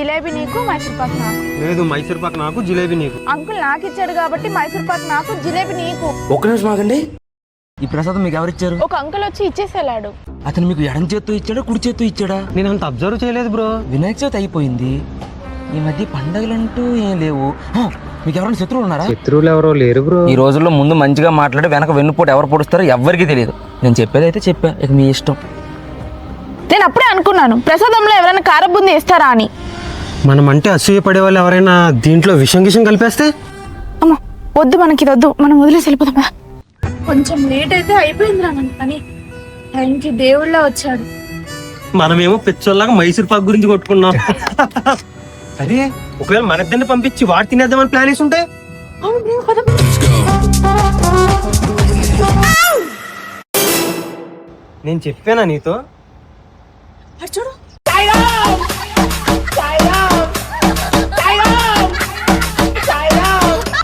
జిలేబీ నీకు, మైసూర్ పాక్ నాకు. లేదు, మైసూర్ పాక్ నాకు, జిలేబీ నీకు. అంకుల్ నాకు ఇచ్చాడు కాబట్టి మైసూర్ పాక్ నాకు, జిలేబీ నీకు. ఒక్క నిమిషం ఆగండి. ఈ ప్రసాదం మీకు ఎవరిచ్చారు? ఒక అంకుల్ వచ్చి ఇచ్చేసేలాడు. అతను మీకు ఎడం చేత్తో ఇచ్చాడా, కుడి చేత్తో ఇచ్చాడా? నేను అంత అబ్జర్వ్ చేయలేదు బ్రో. వినాయక చవితి అయిపోయింది, ఈ మధ్య పండగలంటూ ఏం లేవు. మీకు ఎవరైనా శత్రువులు ఉన్నారా? శత్రువులు ఎవరో లేరు బ్రో. ఈ రోజుల్లో ముందు మంచిగా మాట్లాడి వెనక వెన్నుపోటు ఎవరు పొడుస్తారో ఎవ్వరికీ తెలియదు. నేను చెప్పేది అయితే చెప్పా, ఇక మీ ఇష్టం. నేను అప్పుడే అనుకున్నాను ప్రసాదంలో ఎవరైనా కారబుంది వేస్తారా అని. మనం అంటే అసూయ పడే వాళ్ళు ఎవరైనా దీంట్లో విషం కలిపేస్తే? అమ్మా వద్దు, మనకి ఇది వద్దు, మనం వదిలేసి వెళ్ళిపోదాం. కొంచెం లేట్ అయితే అయిపోయిందిరా మన పని. టైంకి దేవుళ్ళ వచ్చాడు. మనమేమో పిచ్చోళ్ళగా మైసూర్ పాక్ గురించి కొట్టుకున్నాం. అరే ఒకవేళ మన ఇద్దరిని పంపించి వాడు తినేద్దామని ప్లాన్ వేసి ఉంటే? నేను చెప్పానా నీతో? చూడు